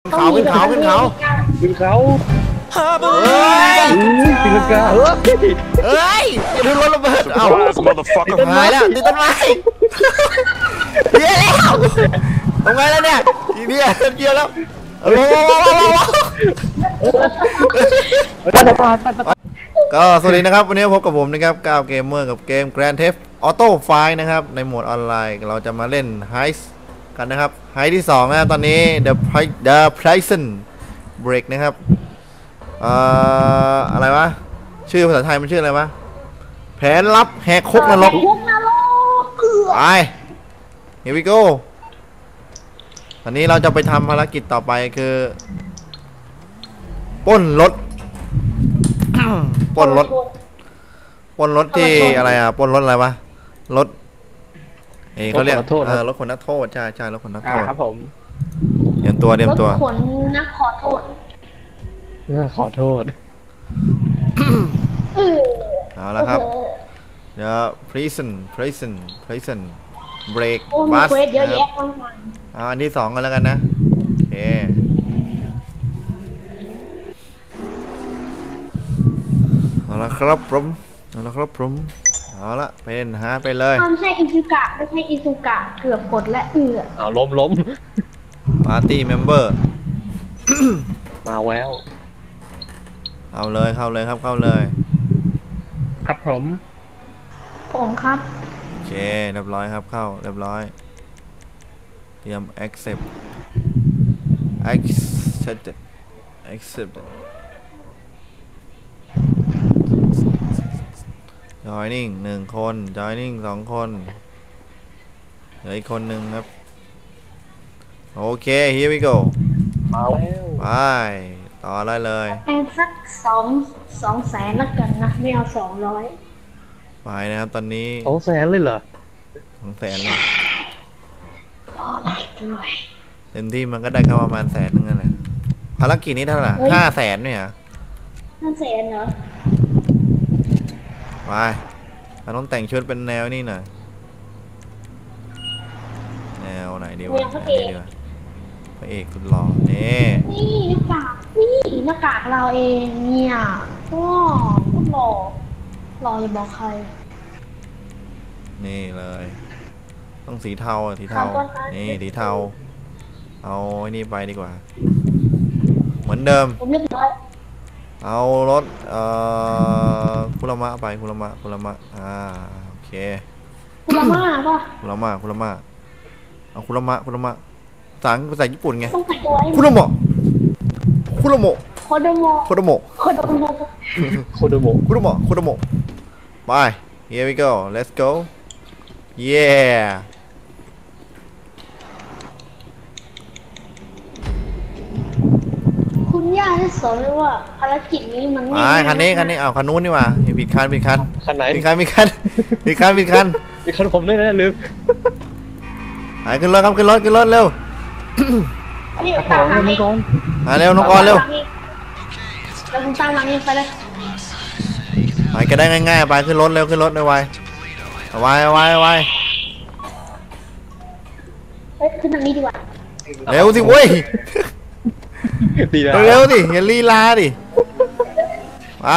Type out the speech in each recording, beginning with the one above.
เขาขึ้นเขาขึ้นเขาขึ้นเขาเฮ้ยตีลังกาเฮ้ยอย่าดูรถระเบิดเอ้าหายแล้วติดต้นไม้เดี๋ยวแล้วทำไงแล้วเนี่ยทีเดียวเดียวแล้วก็สวัสดีนะครับวันนี้พบกับผมนะครับก้าวเกมเมอร์กับเกม Grand Theft Auto 5นะครับในโหมดออนไลน์เราจะมาเล่น Heist กันนะครับ Heist ที่2นะครับตอนนี้ The Prison Break นะครับอะไรวะชื่อภาษาไทยมันชื่ออะไรวะแผนลับแหกคุกนรกไป Here we go ตอนนี้เราจะไปทำภารกิจต่อไปคือปล้นรถ ปล้นรถที่อะไรอ่ะปล้นรถอะไรวะรถเขาเรียกรถคนนักโทษใช่รถคนนักโทษครับผมเตรียมตัวรถขนนักขอโทษขอโทษเอาละครับเดี๋ยว prison break โอ้มีเควสเยอะแยะมากมายอันที่2กันแล้วกันนะโอเคเอาละครับผมเอาละเป็นหาไปเลยไม่ใช่อิซุกะไม่ใช่อิซุกะเกือบกดและเอาล้ม Party Member มาแววเข้าเลยครับเข้าเลยครับผมครับโอเคเรียบร้อยครับเข้าเรียบร้อยเตรียม accept joining 1 คน joining 2 คนเหลืออีกคนหนึ่งครับโอเค here we go มาแล้วไปต่อได้เลยสัก2 แสนละกันนะไม่เอา200 ไปนะครับตอนนี้ 200,000เลยเหรอ 200,000เลยด้วยเต็มที่มันก็ได้แค่ประมาณ100,000นึงนั่นแหละภารกิจนี้เท่าไหร่500,000เนี่ย 500,000เหรอไปเราต้องแต่งชุดเป็นแนวนี่หน่อยแนวไหนดีวะพระเอกสุดหล่อนี่หน้ากากเราเองเนี่ยก็พูดหล่ออย่าบอกใครนี่เลยต้องสีเทานี่สีเทาเอาไอ้นี่ไปดีกว่าเหมือนเดิมผมเรียบร้อยเอารถคุรามะไปคุรามะโอเคคุรามะป่ะคุรามะเอาคุรามะภาษาญี่ปุ่นไงต้องใส่ตัวคุรามะโคโดโมะไป here we go let's go yeah คุณย่าได้สอนเลยว่าภารกิจนี้มันคันนี้เอาคันนู้นนี่ว่าผิดคันไหนผิดคันผมด้วยนะลืมขึ้นรถครับขึ้นรถเร็วเร็วน้องกรเร็วแล้วคุณตามหลังนี่ไปเลยไปก็ได้ง่ายๆไปขึ้นรถเร็วไวขึ้นทางนี้ดีกว่าเร็วสิเว้ยเร็วสิอย่าลีลาดิไป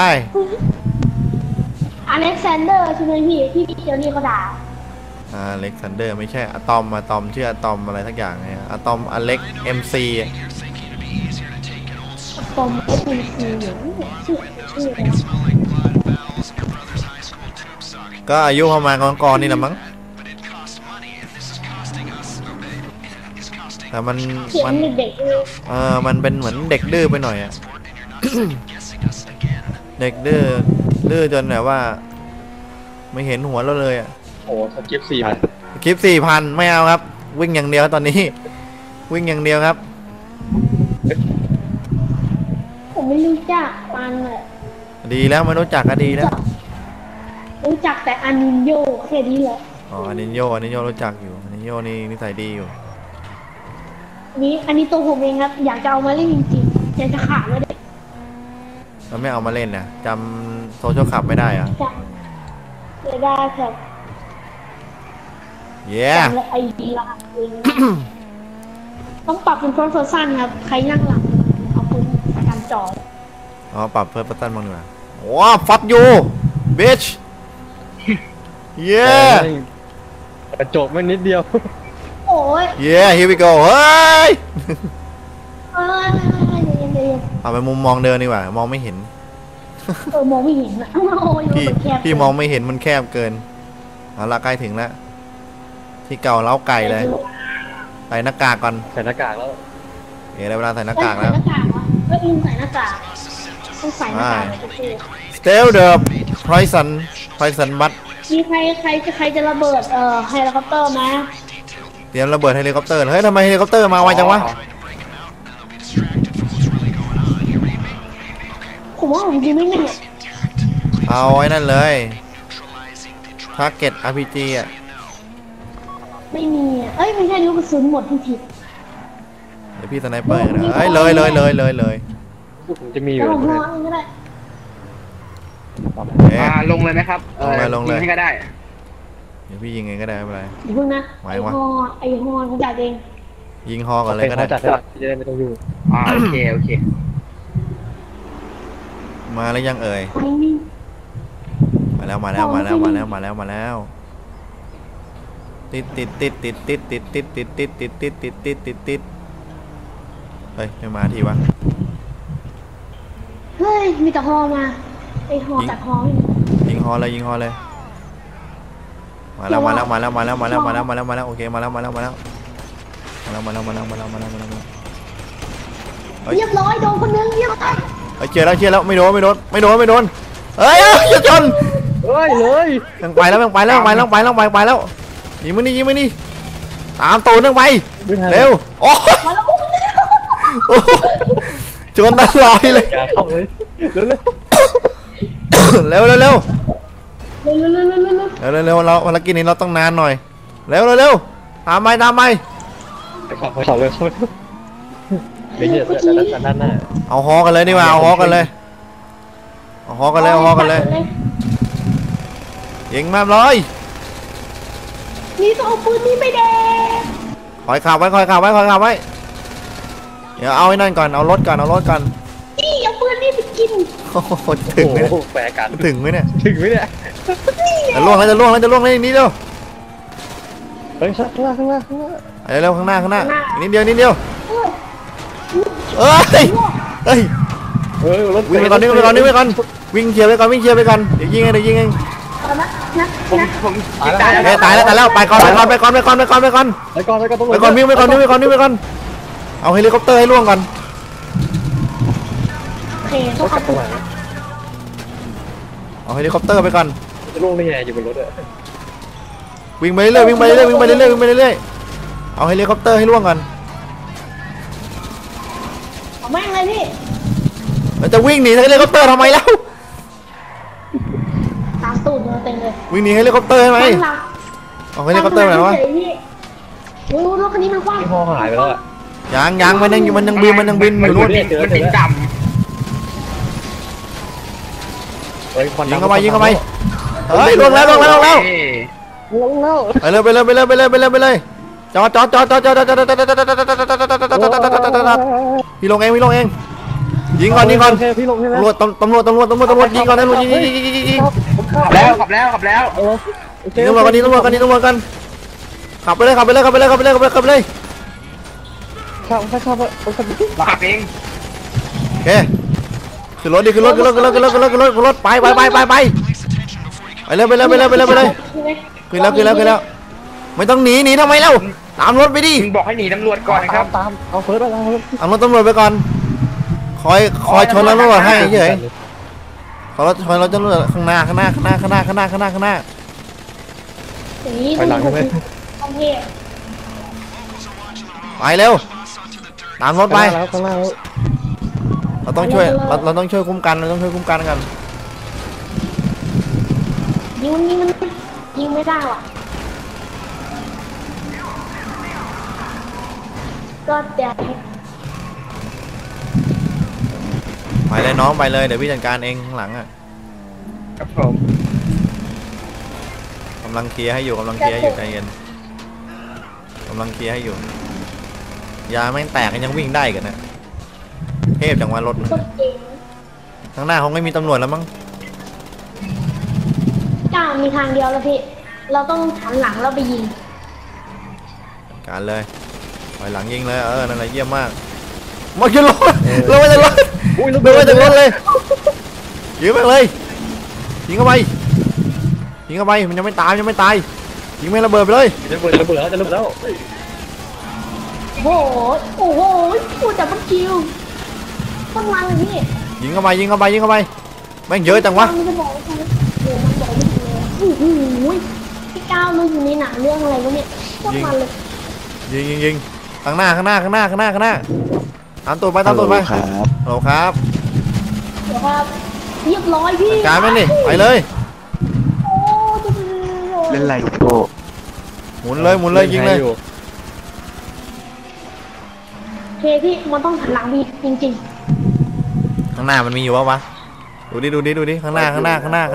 อเล็กซานเดอร์ใช่ไหมพี่เจ้านี่เขาด่าอเล็กซานเดอร์ไม่ใช่อะตอมชื่ออะตอมอะไรทักอย่างไงอะตอมอเล็ก MC อะตอม MC ชื่อก็อายุประมาณก่อนนี่แหละมั้งแต่มันเป็นเหมือนเด็กดื้อไปหน่อยอะเด็กดื้อจนแบบว่าไม่เห็นหัวเราเลยอะโอ้สกิป 4,000ไม่เอาครับวิ่งอย่างเดียวตอนนี้วิ่งอย่างเดียวครับผมไม่รู้จักมันเลยดีแล้วไม่รู้จักก็ดีแล้วรู้จักแต่อานิโยแค่นี้แหละอานิโยรู้จักอยู่อานิโยนี่นิสัยดีอยู่อันนี้ตัวผมเองครับอยากจะเอามาเล่นจริงๆอยากจะขาดเลยเราไม่เอามาเล่นนะจำโซเชียลคลับไม่ได้อะไม่ได้ครับเย้ไอดีละต้องปรับเป็น first person ครับใครนั่งหลังเอาปืนประกันจออ๋อปรับเพิ่มปัตตันบ้างดีกว่าว้าฟัดยูบิชเย้กระจกไม่นิดเดียวโอ้ยเย้ here we go เฮ้ยเอ้ยเดี๋ยวเอาไปมุมมองเดินดีกว่ามองไม่เห็นมองไม่เห็นอะโอ้ยพี่มันแคบพี่มองไม่เห็นมันแคบเกินเอาละใกล้ถึงแล้วที่เก่าเล้าไก่เลยใส่หน้ากากก่อนใส่หน้ากากแล้วเดี๋ยวได้เวลาใส่หน้าใส่กากหแล้วน้ากากวะก็อินใส่หน้ากากต้องใส่หน้ากากโอเค Still the poison but มีใครจะระเบิดเฮลิคอปเตอร์ไหมเตรียมระเบิดเฮลิคอปเตอร์เฮ้ยทำไมเฮลิคอปเตอร์มาไวจังวะผมว่าผมยิงไม่แน่เอาไอ้นั่นเลย Target RPG อ่ะไม่มีอะเอ้ยไม่ใช่ลูกกระสุนหมดที่ผิดเดี๋ยวพี่สไนเปอร์นะเฮ้ยเลยผมจะมีอแล้ยู่วผมรอเองก็ได้เอ๊ะลงเลยไหมครับลงเลยยิให้ก็ได้เดี๋ยวพี่ยิงไงก็ได้ไม่เป็นไรเดี๋ยวเพิ่งนะไหวไอวะฮอไอฮอผมจ่ายเองยิงฮอก่อนเลยก็ได้จัดให้จะได้ไม่ต้องยุ่งโอเค โอเคมาแล้วยังเอ่ยไอ้นี่มาแล้วติดเฮ้ยไม่มาทีวะเฮ้ยมีแต่ฮอมาไอฮอจากฮอนี่ยิงฮอเลยมาแล้วโอเคมาแล้วเรียบร้อยโดนคนนึงเรียบร้อยเชียร์แล้วไม่โดนเฮ้ยอย่าชนเฮ้ยเลยยังไปแล้วยิงมันนี่ตามตูนยังไปเร็วโอ้มาแล้วชนตลอดเลยอย่าเข้าเลยเร็วเร็วเร็วเราภารกิจนี้เราต้องนานหน่อยเร็วตามไปๆเข้าเลยเดี๋ยวเนี่ยด้านหน้าเอาฮอกันเลยดีกว่าเอาฮอกันเลยยิงมาเลยนี่ต้องเอาปืนนี่ไปแดงคอยขับไว้เดี๋ยวเอาไอ้นั่นก่อนเอารถก่อนนี่เอาปืนนี่ไปกินโอ้โหถึงไหมโอ้แปลกันถึงไหมเนี่ยถึงไหมเนี่ยจะล่วงแล้วเลยนี่เร็วเฮ้ยข้างล่างเร็วข้างหน้านิดเดียวเอ้ยรถวิ่งไปก่อนวิ่งเคลียร์ไปก่อนเดี๋ยวยิงเองเอานะผมยิงตายเฮ้ยตายแล้วไปก่อนวิ่งไปก่อนเอาเฮลิคอปเตอร์ให้ล่วงก่อนโอเคต้องเอาปืนเอาเฮลิคอปเตอร์ไปก่อนจะล่วงได้ยังไงอยู่บนรถอะวิ่งไปเรื่อยเอาเฮลิคอปเตอร์ให้ล่วงก่อนเอาแม่งเลยพี่เราจะวิ่งหนีเฮลิคอปเตอร์ทำไมแล้วตามตูดมาเต็มเลยวิ่งหนีเฮลิคอปเตอร์ใช่ไหมตั้งหลักเอาเฮลิคอปเตอร์ไปไหนวะโอ้ยรถคันนี้มันกว้างที่ห้อหายไปแล้วอะยังมันยังบินอยู่นู่นมันบินต่เฮ้ยควันยิงดำเข้าไปเฮ้ยล่วงแล้วำลงแล้วไปเลยจอดพี่ลงเองยิงก่อนพี่ลงใช่ไหมตำรวจยิงก่อนยิงขับแล้วตำรวจกันขับไปเลยขับขับเองโอเคขึ้นรถไปเร็วขึ้นแล้วไม่ต้องหนีทำไมเล่าตามรถไปดิมึงบอกให้หนีตำรวจก่อนนะครับตามเอาเฟิร์สอะไรเอารถตำรวจไปก่อนคอยชนแล้วตำรวจให้เฉยขอรถชนรถตำรวจข้างหน้าอย่างนี้ไปหลังใช่ไหมโอเคไปเร็วตามรถไปข้างหน้าแล้วเราต้องช่วยคุ้มกันกันยิงมันยิงไม่ได้ว่ะก็เดี๋ยวไปเลยน้องไปเลยเดี๋ยวพี่จัดการเองข้างหลังอ่ะครับผมกำลังเคลียร์ให้อยู่ใจเย็นกำลังเคลียร์ให้อยู่ยาแม่งแตกยังวิ่งได้กันนะเทพจังวะรถนะก็จริงข้างหน้าเขาไม่มีตำรวจแล้วมั้งจ้ามีทางเดียวแล้วพี่ เราต้องหันหลังแล้วไปยิงการเลยถอยหลังยิงเลยนั่นแหละเยี่ยมมากมาขึ้นรถลงมาจากรถอุ้ยลงมาจากรถเลยยิงไปเลยยิงเข้าไปยิงเข้าไปมันยังไม่ตายยิงไม่ระเบิดไปเลยจะระเบิดแล้วจะระเบิดแล้วโอ้โหโอ้โหพูดแต่มันคิวต้องมันเลยพี่ยิงเข้าไปแม่งเยอะจังวะมันจะบอกว่าโอ้มันบอกไม่ถูกเลยโอ้โหพี่ก้าวรู้อยู่ในหนังเรื่องอะไรวะเนี่ยต้องมันเลยยิงข้างหน้าตามตัวไปฮัลโหลครับเดี๋ยวครับเรียบร้อยพี่การแม่งดิไปเลยโอ้จะเล่นอะไรลูกโก้หมุนเลยยิงเลยโอเคพี่มันต้องหันหลังพี่จริงข้างหน้ามันมีอยู่วะดูดิข้างหน้าๆนี่ข้างหน้ามี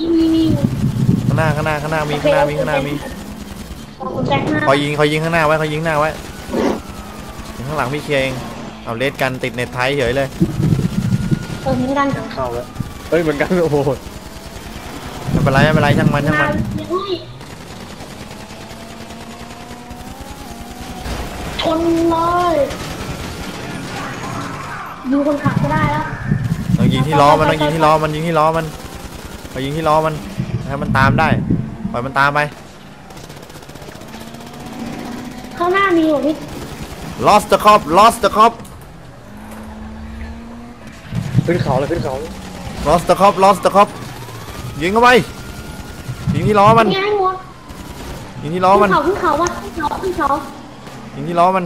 ผมแจ้งหน้าคอยยิงข้างหน้าไว้ยิงข้างหลังพี่เคลียร์เองเอาเลสกันติดเน็ตไทยเฉยเลยเหมือนกันเข้าแล้วเฮ้ยเหมือนกันโอ้โหไม่เป็นไรช่างมันยังไงชนเลยดูคนขับก็ได้แล้วต้องยิงที่ล้อมันให้มันตามได้ปล่อยมันตามไปข้างหน้ามีอยู่พี่ lost the cop ขึ้นเขาเลย lost the cop ยิงเข้าไปยิงที่ล้อมันง่ายหมดยิงที่ล้อมันขึ้นเขาวะขึ้นเขายิงที่ล้อมัน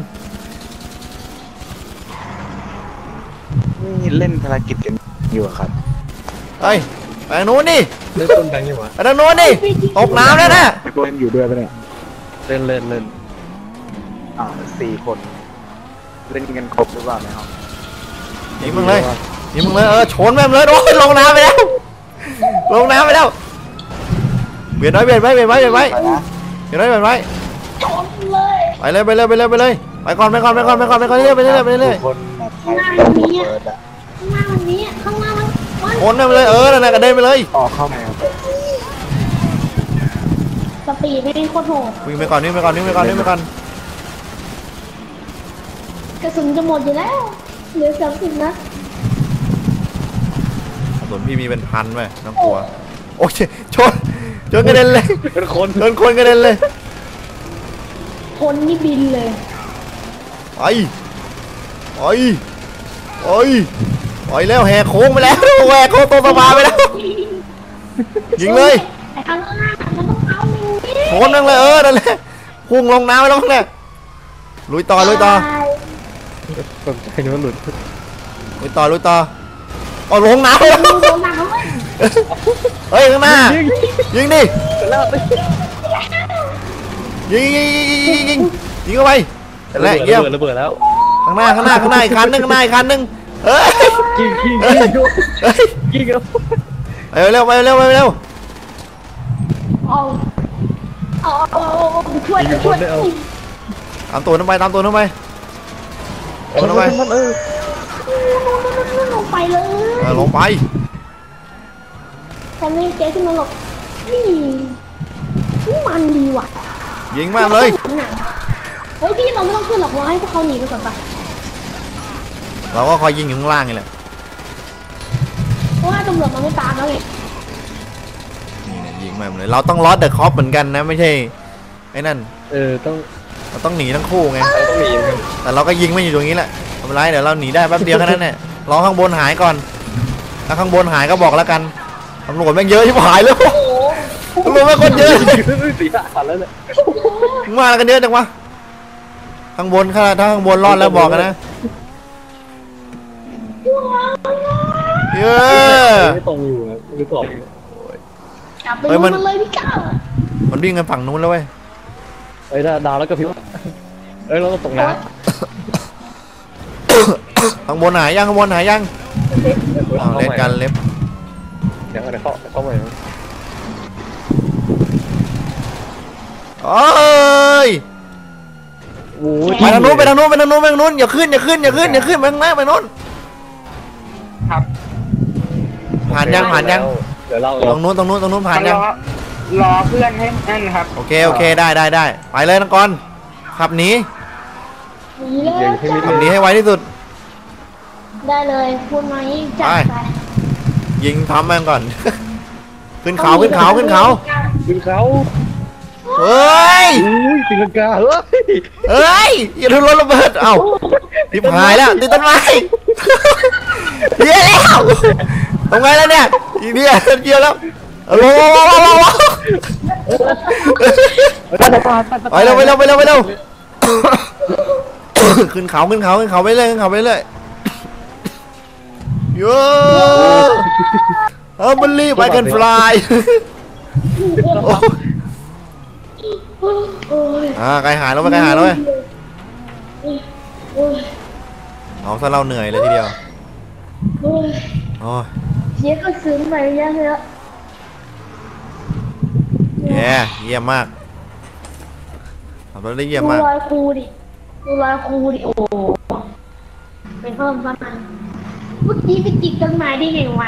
นี่เล่นภารกิจกันอยู่อะครับเฮ้ยไปทางนู้นดิเล่นต้นแบงค์ยังวะไปทางนู้นดิตกน้ำแล้วนะพี่โก้เล่นอยู่ด้วยปะเนี่ยเล่น 4 คน เล่นกันครบหรือเปล่าในห้องยิงมึงเลยชนแม่งเลยโอ้ยลงน้ำไปแล้วเบียดไว้ไปนะไปเลยชนเลยไปก่อนเรื่อยคนข้างหน้ามันนี้ข้างหน้ามันคนไปเลยนั่นแหละกระเด็นไปเลยออกเข้ามาครับสปีดไม่ได้โคตรโหดวิ่งไปก่อนกระสุนจะหมดอยู่แล้วเหลือ30 นัดส่วนพี่มีเป็นพันไหมน้ำกลัวโอเคชนกระเด็นเลยเป็นคนชนคนกระเด็นเลยคนนี่บินเลยไปแล้วแหกโค้งไปแล้วแหกโค้งตัวสบายไปแล้วยิงเลยแต่ข้างหน้ามันต้องเอาอย่างนี้ชนนั่งเลยนั่นแหละพุ่งลงน้ำไปแล้วเนี่ยลุยต่อตกใจนึกว่าหลุดเอาลงน้ำไปแล้วดูโดนหนักเลยเฮ้ยข้างหน้ายิงดิแล้วไปยิงเข้าไปนั่นแหละเยี่ยมระเบิดแล้วข้างหน้าอีกคันนึงเฮ้ยกิ้งเฮ้ยเอาเร็วเอาช่วยตามตัวน้ำไปมันลงไปเลยลงไปแต่ไม่เจ๊ขึ้นมาหรอกนี่มันดีว่ะยิงมากเลยเฮ้ยพี่เราไม่ต้องขึ้นหรอกเราให้พวกเขาหนีไปก่อนปะเราก็คอยยิงอยู่ข้างล่างนี่แหละเพราะว่าตำรวจมันไม่ตามแล้วไงนี่นะยิงมาเลยเราต้องลอสเดอะคอปเหมือนกันนะไม่ใช่ไอ้นั่นต้องเราต้องหนีทั้งคู่ไงต้องหนีกันแต่เราก็ยิงไม่อยู่ตรงนี้แหละไม่เป็นไรเดี๋ยวเราหนีได้แป๊บเดียวแค่นั้นแหละรอข้างบนหายก่อนถ้าข้างบนหายก็บอกแล้วกันตำรวจแม่งเยอะที่หายเลยตำรวจแม่งคนเยอะสีขาดแล้วเนี่ยมากันเยอะจังวะข้างบนถ้าข้างบนรอดแล้วบอกกันนะเยอะไม่ตรงอยู่หรือเปล่าจับไปดูมันเลยพี่ก้าวมันวิ่งกันฝั่งนู้นแล้วเว้ยดาวแล้วก็พิวเราก็ตกน้ข้างบนหายยังเอาเล่นกันเล็บเดี๋ยวเข้าไปโอ้ยโอ้ยไปทางนู้นไปทางนู้นไปทางนู้นไปทางนู้นอย่าขึ้นอย่าขึ้นอย่าขึ้นอย่าขึ้นไปข้างหน้าไปนู้นครับผ่านยังผ่านยังเดี๋ยวเราตรงนู้นตรงนู้นตรงนู้นผ่านยังรอเพื่อนให้นั่นครับโอเคโอเคได้ได้ได้ไปเลยนังกรขับหนีหนีเลยจ้าขับหนีให้ไวที่สุดได้เลยพูดไหมจัดไปยิงทำแม่งก่อน ขึ้นเขาขึ้นเขาขึ้นเขาขึ้นเขาเฮ้ยอุ้ยตีลังกาเฮ้ยเฮ้ยอย่าทุนรถระเบิดเอ้าทิพหายแล้วติดต้นไม้เฮียแล้วทำไงแล้วเนี่ยอีเดียเดียวแล้วเอาลงไปเร็วไปเร็วไปเร็วไปเร็วขึ้นเขาขึ้นเขาขึ้นเขาไปเรื่อยขึ้นเขาไปเรื่อยโย่มันรีบไปกันฟลายโอ้ยไกลหายแล้วไปไกลหายแล้วเว้ยโอ้ยเอาซะเราเหนื่อยเลยทีเดียวโอ้ยโอ้ยเสียก็ซึ้งไปเยอะเลยเยี่ยมมากขับรถได้เยี่ยมดูมากรอยครูดิดูรอยครูดิโอ้เป็นเพิ่มประมาณเมื่อกี้ไปจิกต้นไม้ได้ไงวะ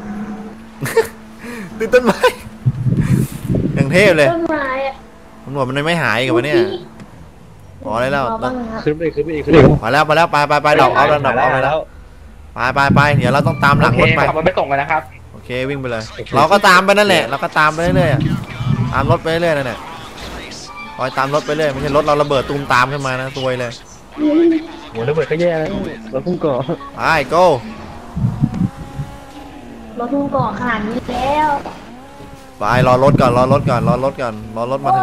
ติดต้นไม้อย่างเทพเลยต้นไม้อะตำรวจมันไม่หายกับวะเนี่ยพอได้แล้วขอบ้างนะครับขึ้นไปขึ้นไปอีกขึ้นไปอีกพอแล้วพอแล้วไปดอกเอาแล้วดอกเอาไปแล้วไปเดี๋ยวเราต้องตามหลังรถไปขับรถไปส่งกันนะครับโอเควิ่งไปเลย เราก็ตามไปนั่นแหละเราก็ตามไปเรื่อยๆตามรถไปเรื่อยๆนั่นแหละคอยตามรถไปเรื่อยไม่ใช่รถเราระเบิดตูมตามขึ้นมานะซวยเลยโหระเบิดก็แย่แล้วเราพุ่งก่อไป go รถทุ่งเกาะขนาดนี้แล้วไปรอรถก่อนรอรถมาถึง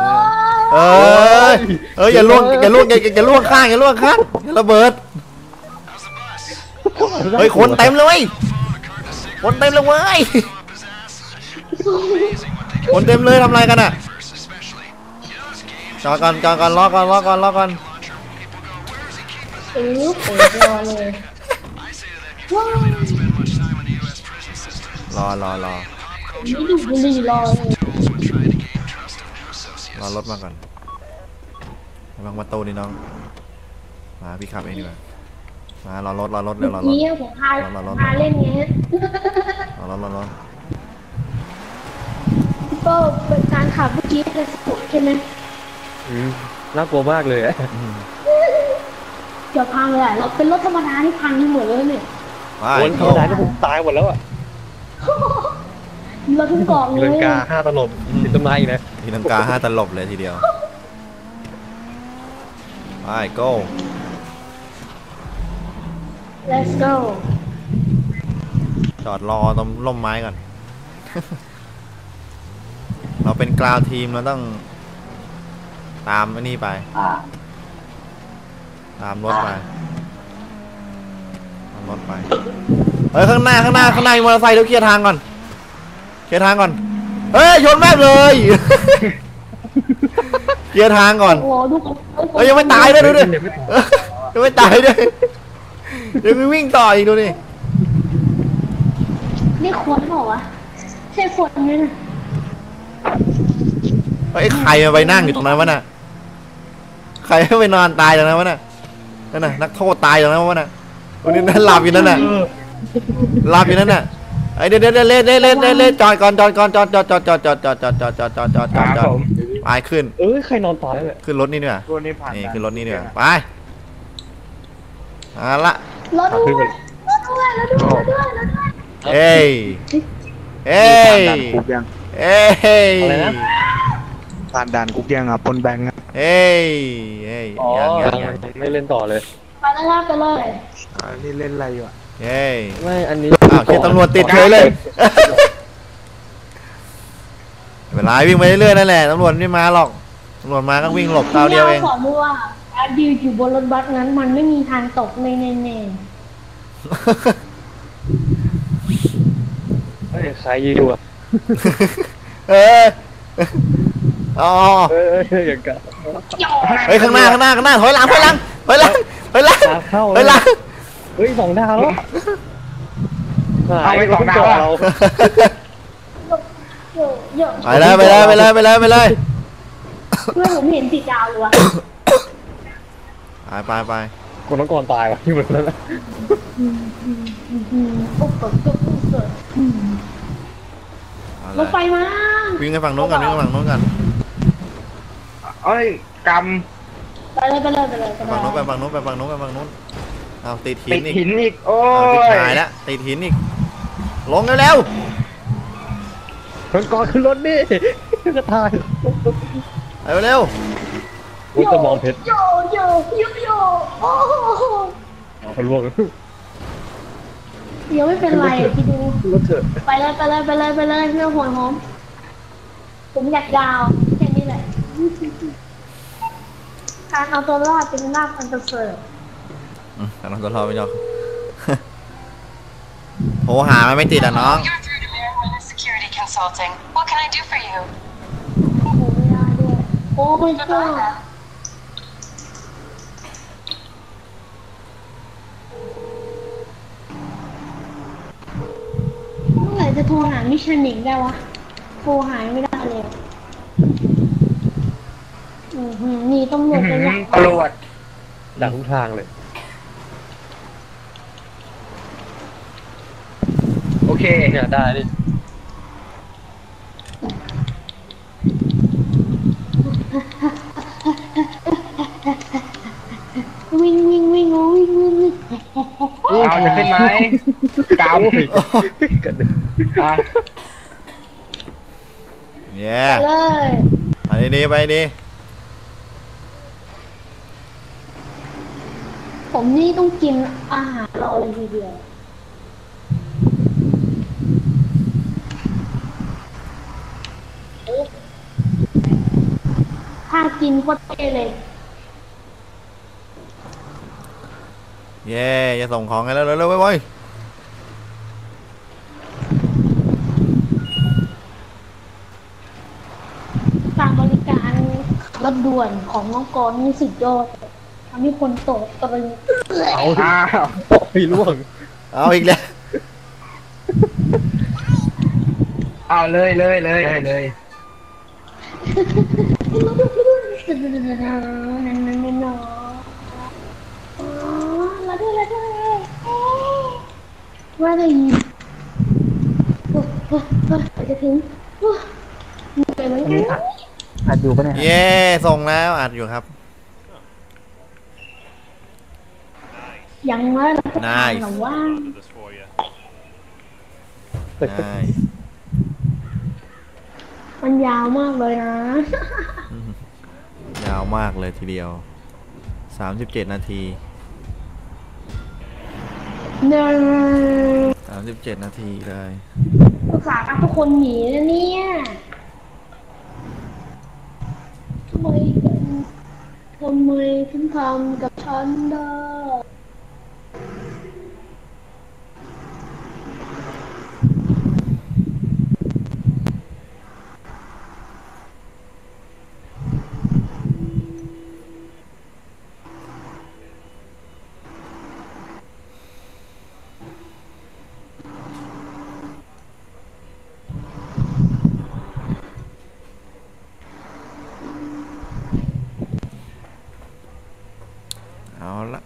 อย่าล่วงข้างอย่าระเบิดเฮ้ยคนเต็มเลยคนเต็มเลยเว้ยคนเต็มเลยทำอะไรกันอ่ะจอดก่อนรอก่อนเปิดรอเลยว้าวรอนี่ดูบุหรี่รอเลยรอรถมาก่อนระวังประตูนี่น้องมาพี่ขับเองดีกว่ามารอรถเร็วรอรถนี่ผมพาเล่นเงี้ยรอก็เป็นการขับเมื่อกี้เลยสุดใช่ไหมน่ากลัวมากเลยเดี๋ยวพังเลยอ่ะเราเป็นรถธรรมดาที่พังทั้งหมดเลยเนี่ยไปคนธรรมดาก็ผมตายหมดแล้วอ่ะเราทุ่งเกาะเลตีลังยกา5 ตลบติดต้นไม้อีกนะทีนังกา5 ตลบเลยทีเดียวไป go let's go จอดรอตรงร่มไม้ก่อน เราเป็นกราวทีมเราต้องตามไอ้นี่ไปตามรถไปเฮ้ยข้างหน้ามีมอเตอร์ไซค์เดี๋ยวเคลียร์ทางก่อนเฮ้ยชนแม่งเลย เคลียร์ทางก่อนโอ้ดูเฮ้ยยังไม่ตายด้วยดูดิ ยังไม่ตายด้วยยังมีวิ่งต่ออีกดูนี่นี่ขวดเหรอวะใช่ขวดไหมนะไอ้ใครมาไปนั่งอยู่ตรงนั้นวะน่ะใครไปนอนตายตรงนั้นวะน่ะนั่นน่ะนักโทษตายตรงนั้นวะน่ะวันนี้นั่นหลับอยู่นั่นน่ะหลับอยู่นั่นน่ะไอ้เดี๋ยวเล่นจอดก่อนไปขึ้นใครนอนตายเลยขึ้นรถนี่ด้วยตัวนี้ผ่านนี่ขึ้นรถนี่ด้วยไปเอาละรถด้วยเอ้ยด่านคุกยังอะไรนะผ่านด่านคุกยังอ่ะปนแบงค์อ่ะอ๋อยังไม่เล่นต่อเลยไปแล้วครับไปเลยนี่เล่นอะไรอยู่อ่ะไม่อันนี้อ้าวเขียนตำรวจติดเฉยเลยเวลาวิ่งไปเรื่อยๆนั่นแหละตำรวจไม่มาหรอกตำรวจมาก็วิ่งหลบคราวเดียวเองสอนด้วยว่าการยืนอยู่บนรถบัสนั้นมันไม่มีทางตกแน่ใครยืนอยู่อ่ะเอออ๋ออย่างกันเฮ้ยข้างหน้าถอยหลังเข้าเฮ้ย 2 ดาวแล้วเอาไป2 ดาวอ่ะๆไปเลยเพื่อนผมเห็นติดดาวเลยวะไปคนน้องกรตายวะที่เหมือนนั้นนะโอ้เกิดเกิดเกิดเอารถไฟเลยมาวิ่งไปฝั่งโน้นกันวิ่งไปฝั่งโน้นกันเอ้ยกไปเลยไปเลยไปเลยไปฝั่งโน้นไปฝั่งโน้นไปฝั่งโน้นไปฝั่งโน้นเอาติดำหิตินดอีกหินอีก โอ้ติดยหายแล้วติดหินอีกลงเร็วน้องกรขึ้นรถดิก็ตายๆเร็วโอ้ยจะมองเพชรโยโยโยโยโอ้โหเขาล่วงเดี๋ยวไม่เป็นไรที่ดูรถเถอะไปเลยไปเลยไปเลยไปเลยเรื่องหัวหอมผมอยากยาวแค่นี้แหละการเอาตัวรอดเป็นลาภอันประเสริฐแต่น้องตัวรอไปยอก โหหามันไม่ติดอ่ะน้อง You're through to Marijuana Security Consulting. What can I do for you? โอ้โหไม่ได้ด้วยโอ้ไม่ก็เมื่อไหร่จะโทรหามิชลินได้วะโทรหาไม่ได้เลยนี่ตำรวจจะอยากตำรวจดักทุกทางเลยโอเคเนี่ยได้ดิวิ่งวิ่งวิ่งโอ้วิ่งวิ่งวิ่งเอาจะขึ้นไหมกโอ้ยำกันเลยอ่ะเย้ไปเลยไปดีไปดีผมนี่ต้องกินอาหารเราเลยทีเดียวถ้ากินโคตรเท่เลยเย้จะส่งของกันแล้วเร็วๆไปการบริการรถด่วนของน้องกรณ์นี่สุดยอดทำให้คนตกตะลึงเอาอ้าวโอ้ยล่วงเอาอีกแล้วเอาเลยเลยเลยเลยแล้วด้วยว่าอะไรจะถึงเหนื่อยไหมอัดอยู่ปะเนี่ยเย้ส่งแล้วอัดอยู่ครับยังว่าเราก็ Nice ถามว่าได้มันยาวมากเลยนะยาวมากเลยทีเดียว37 นาที37 นาทีเลยภาษาห์ทุกคนหนีนะเนี่ยทำไมถึงทำกับฉันได้เอาละ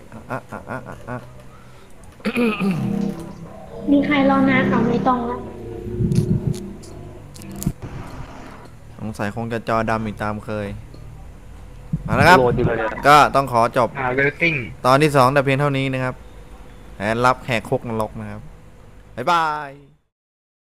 มีใครรอนานเอาไม่ต้องละสงสัยคงจะจอดำอีกตามเคยเอาละครับโหลดอยู่เลยเนี่ยก็ต้องขอจบเวลติ้งตอนที่ 2แต่เพียงเท่านี้นะครับแผนรับแหกคุกนรกนะครับ บ๊ายบาย